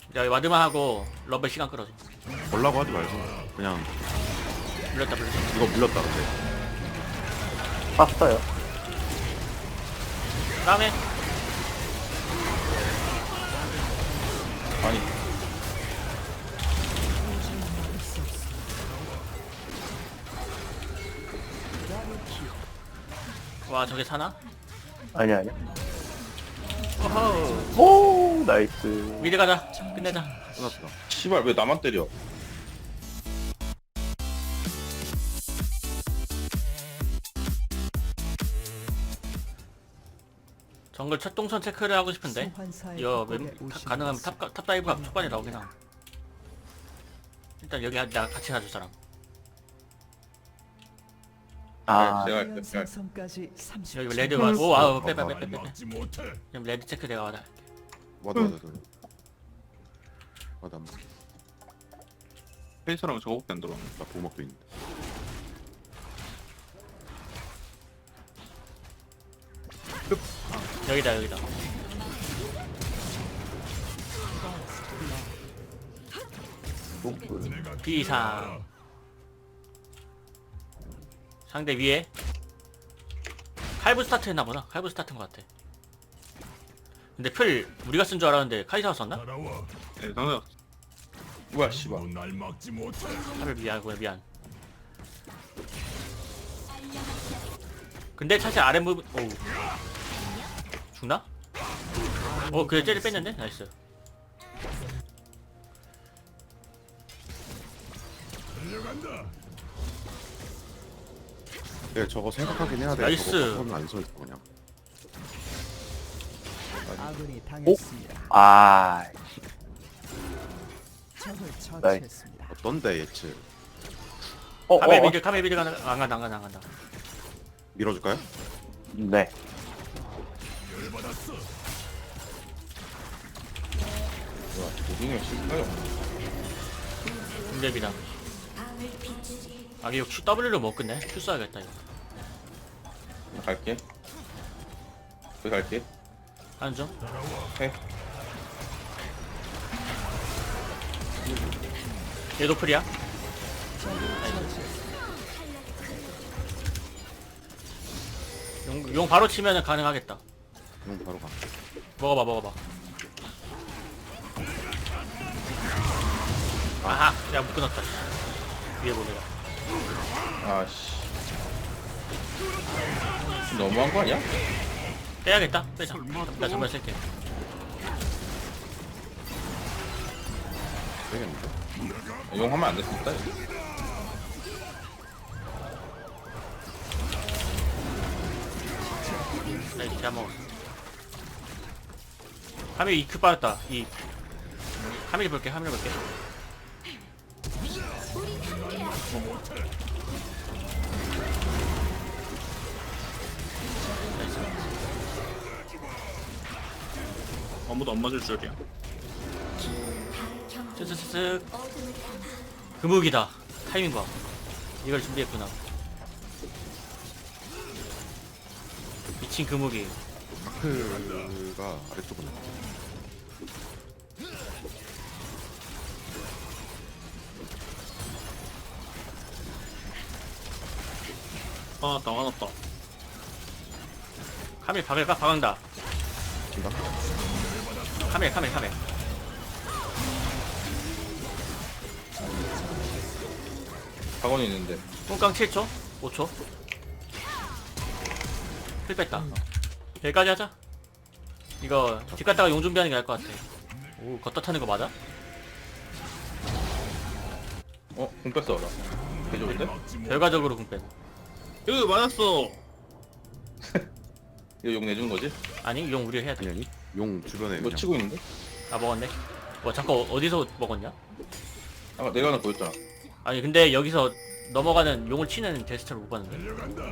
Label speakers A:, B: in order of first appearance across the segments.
A: 야 와드만 하고 러블 시간 끌어줘.
B: 걸라고 하지 말고 그냥
A: 물렸다.
B: 이거 물렸다 근데.
C: 땄어요.
A: 다음에
B: 아니
A: 와 저게 사나?
C: 아니야.
A: 어허.
C: 오, 나이스.
A: 미드 가자. 끝내자.
B: 끝났다.
D: 씨발 왜 나만 때려?
A: 정글 첫 동선 체크를 하고 싶은데 이거 가능하면 탑 다이브가 초반에 나오긴 함. 일단 여기 나 같이 가줄 사람.
C: 아,
D: 제가 할게요.
E: 생성까지 30초.
A: 여기 레드 와. 오 아우 빼. 그럼 레드 체크 내가 와다.
B: 맞아. 맞아.
D: 페이스랑 저거밖에 안 들어.
B: 나 보호막도 있는데.
A: 여기다. 비상. 상대 위에 칼부 스타트 했나보다. 칼부 스타트인 것 같아. 근데 풀 우리가 쓴 줄 알았는데 카이사가 썼나?
D: 네, 상대. 뭐야 씨발.
A: 칼을 미안. 근데 사실 아랫 부분 오우 죽나? 그래 쟤를 뺐는데? 나이스.
B: 네 저거 생각하긴 해야 돼.
A: 나이스.
B: 저거 안 써있어 그냥.
E: 아군이 당했습니다.
C: 아,
E: 적을 처치했습니다.
B: 어떤데 예측?
A: 카멜 미드 안 간다.
B: 밀어줄까요?
C: 네.
D: 뭐야 도중에 실패요.
A: 중대비다. 이거 QW로 못 끝내? Q 써야겠다 이거.
D: 나 갈게. 그 갈게.
A: 하는 중.
D: 해.
A: 얘도 풀이야. 용 바로 치면은 가능하겠다.
B: 형 바로 가.
A: 먹어봐. 아하, 야 못 끊었다. 위에 보내라.
D: 아씨. 너무한 거 아니야?
A: 빼야겠다. 빼자. 나 정말 쓸게.
B: 되겠는데?
D: 용 하면 안 됐습니다.
A: 나 이제 잘 먹었어. 카밀 EQ 빠졌다. 카밀 볼게.
D: 아무도 안 맞을 줄이야.
A: 쓱쓱쓱. 금욱이다. 타이밍 봐. 이걸 준비했구나. 미친 금욱이.
B: 마크가 아래쪽으로.
D: 화났다.
A: 카밀 박은다.
B: 친다.
A: 카밀.
D: 학원이 있는데.
A: 똥깡 7초? 5초? 필 뺐다. 여기까지 하자. 이거 집 갔다가 용 준비하는 게 나을 것 같아. 오, 걷다 타는 거 맞아?
D: 공 뺐어 나. 개좋은데?
A: 결과적으로 궁 뺀.
D: 여기 맞았어. 이거 용 내주는 거지?
A: 아니, 용 우리 해야 돼.
B: 아니 용 주변에
D: 이거
B: 그냥
D: 치고 있는데?
A: 아, 먹었네. 잠깐 어디서 먹었냐?
D: 아까 내가 하나 보였잖아.
A: 아니, 근데 여기서 넘어가는 용을 치는 제스처를 못 봤는데.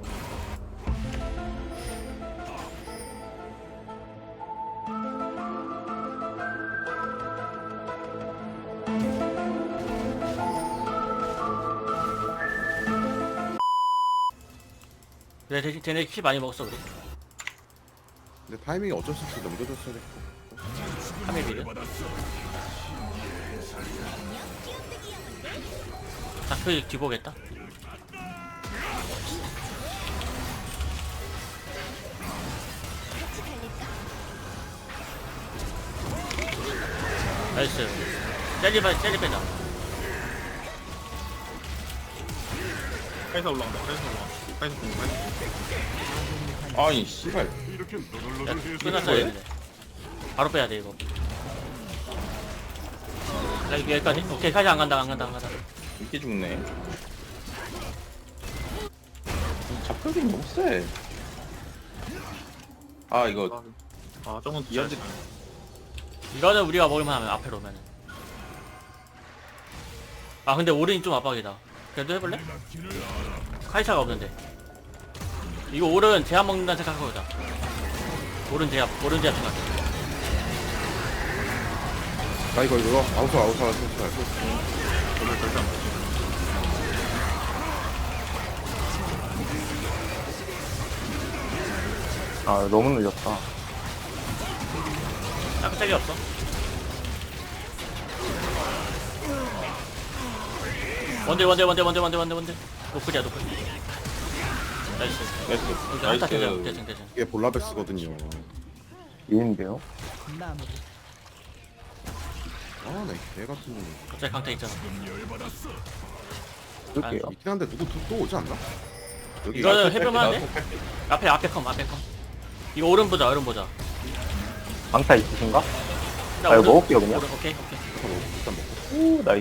A: 그래, 대신 쟤네 킬 많이 먹었어, 우리.
B: 근데 타이밍이 어쩔 수 없이 넘겨줬어야 됐고.
A: 카밀 미드. 다크 뒤보겠다. 나이스. 젤리 빼자.
D: 카이사 올라간다. 카이사 올라간다. 카이사 공. 카이사. 아니 씨발.
A: 야, 끝났어야 되는데. 바로 빼야 돼 이거. 여기까지? 오케이, 카이사 안 간다.
D: 이렇게 죽네. 잡격이 너무 세. 아 이거
F: 아 저건
D: 이한지
A: 이거는 우리가 먹을만 하면 앞에 오면은. 아 근데 오른이 좀 압박이다. 그래도 해볼래? 카이사가 없는데. 이거 오른 제압 먹는다는 생각하고 보자. 오른 제압 생각해.
B: 나 이거 아우사.
F: 오늘 절대 안 맞지.
C: 아 너무 늦었다.
A: 짝짝이 없어. 원딜. 노플이야. 나이스.
D: 나이스.
A: 여기 한타 대전.
B: 이게 볼라베스거든요.
C: 얘인데요?
E: 마무리.
B: 아나 개 같은 놈.
A: 갑자기 강타 있잖아.
C: 쓸게요.
B: 있긴 한데 누구 또 오지 않나? 여기
A: 이거는 해볼만한데? 앞에 컴. 이거 오른 보자.
C: 방타 있으신가?
A: 나
C: 아, 이거
A: 오른-
C: 먹을게요, 그냥.
A: 오른, 오케이.
B: 일단 먹고.
C: 오 나이스.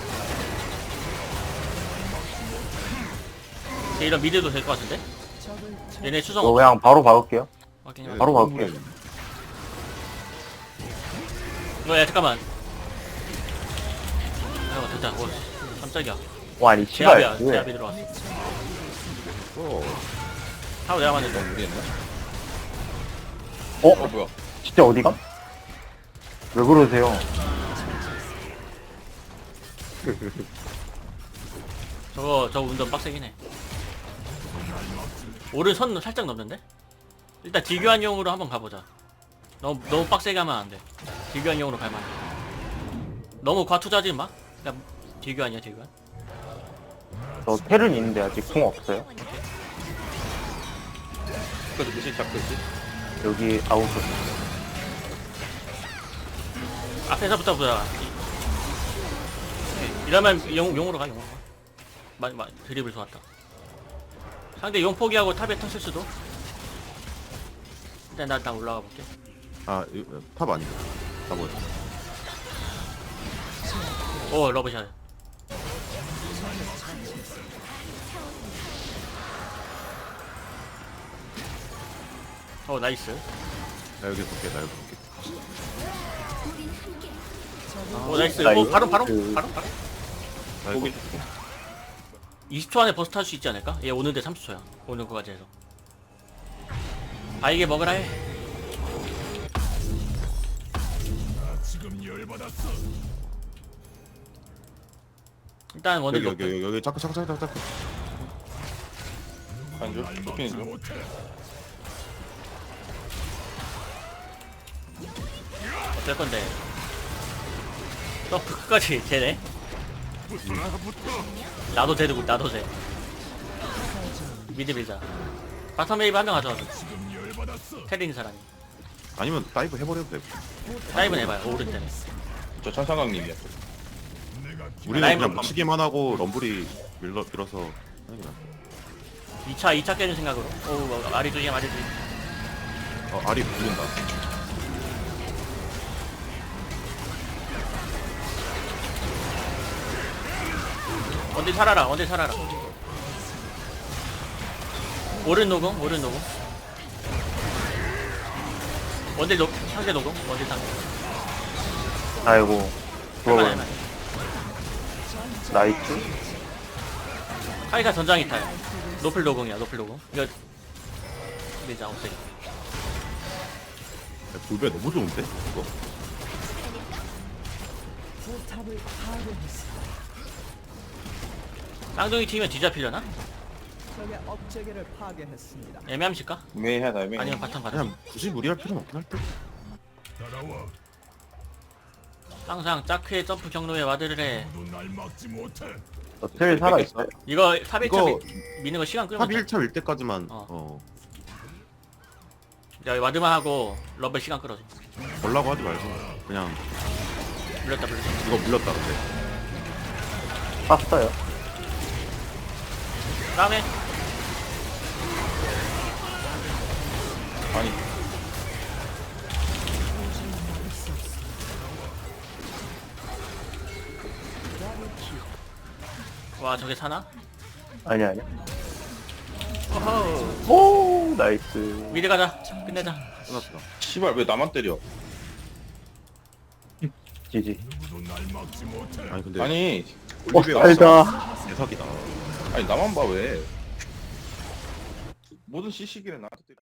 A: 이런 미드도 될 것 같은데?
E: 적을
A: 얘네 수성
C: 이거
A: 없어.
C: 그냥 바로 박을게요.
A: 확인.
B: 예,
C: 바로
B: 너무
C: 갈게요.
A: 이거 야 잠깐만. 아이고 됐다. 오, 깜짝이야.
C: 와 아니
A: 제압이야.
C: 씨발.
A: 제압이 들어왔어. 하고 내가 맞는데.
D: 무리했나?
C: 어?
D: 뭐야?
C: 진짜 어디가? 왜 그러세요?
A: 저 운전 빡세긴 해. 오른 선 살짝 넘는데? 일단 딜교환용으로 한번 가보자. 너무 빡세게 하면 안 돼. 딜교환용으로 갈만 해. 너무 과투자지 마. 그냥 딜교환이야, 딜교환.
C: 저 텔은 있는데 아직 공 없어요.
D: 잡혔지 잡혔지.
C: 여기 아웃.
A: 앞에서부터 보자. 오케이. 이러면 용으로 가. 드립을 좋았다. 상대 용 포기하고 탑에 턴 쓸 수도. 일단 나 올라가 볼게.
B: 탑 아니다. 탑 뭐야?
A: 오, 러브샷. 오, 나이스.
B: 나 여기 볼게.
A: 오, 나이스.
C: 나이스.
A: 오, 바로.
B: 나 이거
A: 20초 안에 버스 탈 수 있지 않을까? 얘 오는데 30초야. 오는 거까지 해서. 바이게 먹으라 해. 일단 원딜 높은.
B: 여기 자꾸.
D: 안줘? 쇼핑 줘.
A: 어쩔 건데. 또 끝까지 쟤네. 나도 쟤. 미드 밀자. 바텀 웨이브 한 명 가져와줘. 테린 사람이.
B: 아니면 다이브 해버려도 돼.
A: 다이브 해봐요. 오른 때문에.
D: 저 천상강님이야.
B: 우리는
A: 라인
B: 그냥
A: 한-
B: 묻히기만 하고 럼블이 밀어서 하는 게 낫다.
A: 2차 깨는 생각으로. 오, 아리 조심.
B: 알이 불린다.
A: 원딜 살아라. 오른 노공. 상대 노공. 원딜 상대.
C: 아이고.
A: 할만해.
C: 그거는 나이스.
A: 카이사 전장이 타요. 노플 노공이야. 이거 밀자. 없애기.
B: 불배 너무 좋은데? 이거?
E: 포탑을 파괴했습니다.
A: 쌍둥이 튀면 뒤잡히려나?
E: 적의 업체계를 파괴했습니다.
A: 애매함실까?
D: 애매하다 애매해.
A: 아니면 바텀 가자.
B: 그냥 굳이 무리할 필요는 없긴 할 듯.
A: 항상 짜크의 점프 경로에 와드를 해.
C: 텔 살아있어요.
A: 이거 탑
B: 이거
A: 1차 미는 거 시간
B: 탑
A: 끌면 돼.
B: 1차 밀 때까지만
A: 어. 야 와드만 하고 러블 시간 끌어줘.
B: 걸라고 하지 말고 그냥
A: 물렸다.
B: 이거 물렸다 근데
C: 땄어요.
A: 다음에
D: 아니
A: 와 저게 사나?
C: 아니야.
A: 어허.
C: 오, 나이스.
A: 미드 가자. 끝내자.
B: 끝났다.
D: 씨발 왜 나만 때려?
C: 지지.
B: 아니 근데
D: 아니
C: 어,
D: 올리비아
C: 달다.
B: 대사기다.
D: 아니 나만 봐 왜? 모든 CC기를 나한테 때려.